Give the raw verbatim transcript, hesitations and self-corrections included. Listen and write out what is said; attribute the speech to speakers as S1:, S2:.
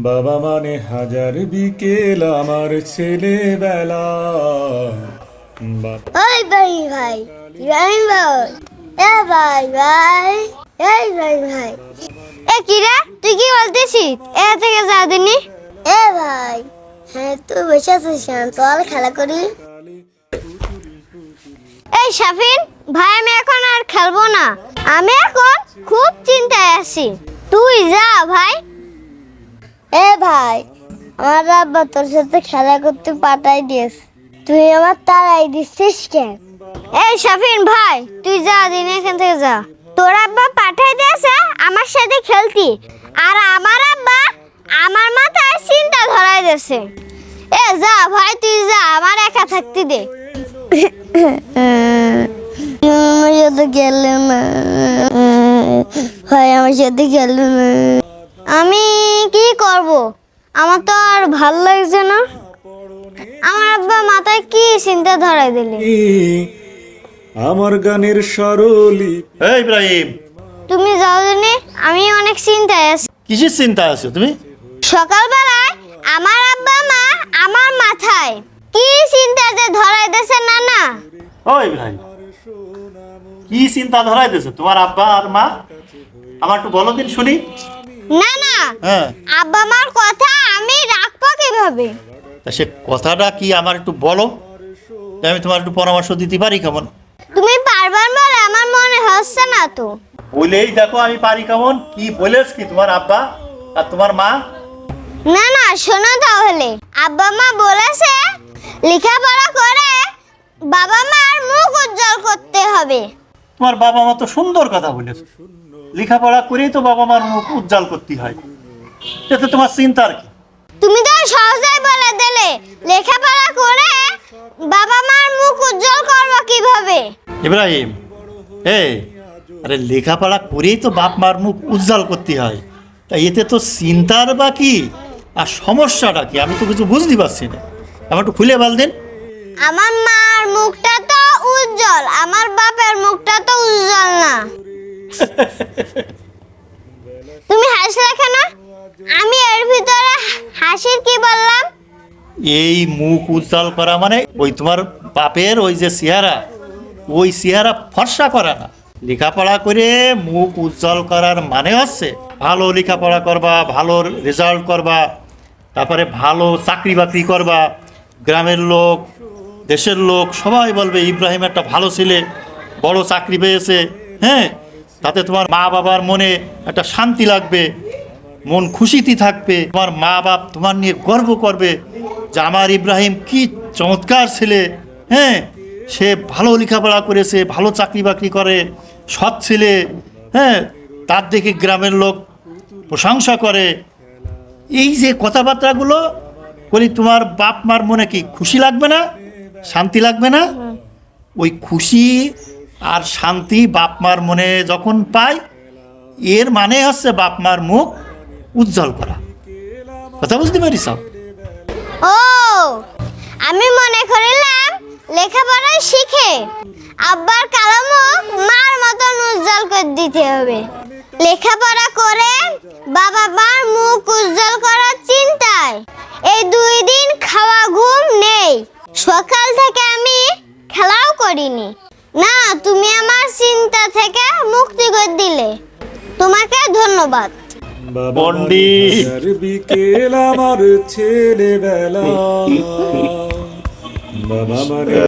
S1: বাবা মানে হাজার বিকেল আমার ছেলেবেলা।
S2: ওই ভাই ভাই রাইম ভাই এ ভাই ভাই এই ভাই ভাই এ কিরা তুই কি বলতেছিস? এ থেকে যা দিনি। এ ভাই হ্যাঁ তুই বসে আছিস কেন? চল খেলা করি। এই শাফিন ভাই আমি এখন আর খেলবো না, আমি এখন খুব চিন্তায় আছি। তুই যা ভাই। এ ভাই আমার আব্বা তোর সাথে খেলা করতে পাঠাই দিয়েছ, তুই আমার তাড়াই দিচ্ছিস কেন? এই শাফিন ভাই তুই যা দিন এখান থেকে যা। তোর আব্বা পাঠাই দিয়েছে আমার সাথে খেলতি, আর আমার আব্বা আমার মাথায় চিন্তা ধরাই দিয়েছে। এ যা ভাই তুই যা, আমার একা থাকতে দে। আমার সাথে খেললে না ভাই, আমার সাথে খেললে না। আমি কি করব, আমার তো আর ভাল লাগছে না। আমার আব্বা মাথায় কি চিন্তা ধরাই দিলে।
S1: আমার গানের সরলি।
S3: এই ইব্রাহিম,
S2: তুমি যাও জানি, আমি অনেক চিন্তায় আছি।
S3: কিসের চিন্তা আছো তুমি?
S2: সকালবেলায় আমার আব্বা মা আমার মাথায় কি চিন্তা যে ধরাই দিয়েছে না না।
S3: ও ইব্রাহিম, কি চিন্তা ধরাই দিয়েছে তোমার আব্বা আর মা? আমার একটু বলো দিন শুনি।
S2: না না,
S3: হ্যাঁ,
S2: আব্বা মার কথা আমি রাখবো কিভাবে?
S3: তা সে কথাটা কি আমার একটু বলো, আমি তোমার একটু পরামর্শ দিতে পারি কেমন?
S2: তুমি পারবার বলে আমার মনে হচ্ছে না তো।
S3: বলেই দেখো আমি পারি কেমন। কি বলেছ কি তোমার আব্বা আর তোমার মা?
S2: না না শোনো তাহলে, আব্বা মা বলেছে লেখাপড়া করে বাবা মার মুখ উজ্জ্বল করতে হবে।
S3: তোমার বাবা মা তো সুন্দর কথা বলেছে, লেখাপড়া করেই তো বাবা মার মুখ উজ্জ্বল করতে হয়, এতে তোমার চিন্তার কি?
S2: তুমি তো সহজেই বলে দিলে লেখাপড়া করে বাবা মার মুখ উজ্জ্বল করবো কিভাবে?
S3: ইব্রাহিম, এই আরে লেখাপড়া করেই তো বাপ মার মুখ উজ্জ্বল করতে হয়, তা এতে তো চিন্তার বা কি আর সমস্যাটা কি আমি তো কিছু বুঝতে পারছি না, আমার একটু খুলে বল দিন।
S2: আমার মার মুখটা তো উজ্জ্বল, আমার বাপের মুখটা তো উজ্জ্বল না। তুমি হাসলে কেন? আমি এর ভিতরে হাসির কি বললাম?
S3: এই মুখ উজ্জ্বল করা মানে ওই তোমার বাপের ওই যে চেহারা, ওই চেহারা ফর্সা করা না। লেখাপড়া করে মুখ উজ্জ্বল করার মানে হচ্ছে ভালো লেখাপড়া করবা, ভালো রেজাল্ট করবা, তারপরে ভালো চাকরি বাকরি করবা, গ্রামের লোক দেশের লোক সবাই বলবে ইব্রাহিম একটা ভালো ছেলে, বড় চাকরি পেয়েছে। হ্যাঁ, তাতে তোমার মা বাবার মনে একটা শান্তি লাগবে, মন খুশিতে থাকবে, তোমার মা বাপ তোমার নিয়ে গর্ব করবে যে আমার ইব্রাহিম কি চমৎকার ছেলে। হ্যাঁ, সে ভালো লেখাপড়া করেছে, ভালো চাকরি বাকরি করে, সৎ ছেলে। হ্যাঁ, তার দেখে গ্রামের লোক প্রশংসা করে। এই যে কথাবার্তাগুলো বলি, তোমার বাপ মার মনে কি খুশি লাগবে না, শান্তি লাগবে না? ওই খুশি আর শান্তি বাপ মার মনে যখন পায়, এর মানে হচ্ছে বাপ মার মুখ উজ্জ্বল করা। কথা বুঝতে পারিস?
S2: ও আমি মনে করিলাম লেখাপড়া শিখে আব্বার কালো মুখ মার মতন উজ্জ্বল করে দিতে হবে। লেখাপড়া করে বাবা মার মুখ উজ্জ্বল করার চিন্তায় এই দুই দিন খাওয়া ঘুম নেই, সকাল থেকে আমি খেলাও করিনি। না, তুমি আমার চিন্তা থেকে মুক্তি করে দিলে, তোমাকে ধন্যবাদ।
S3: পণ্ডিত।
S1: হাজার বিকেল আমার ছেলেবেলা। বাবা মানে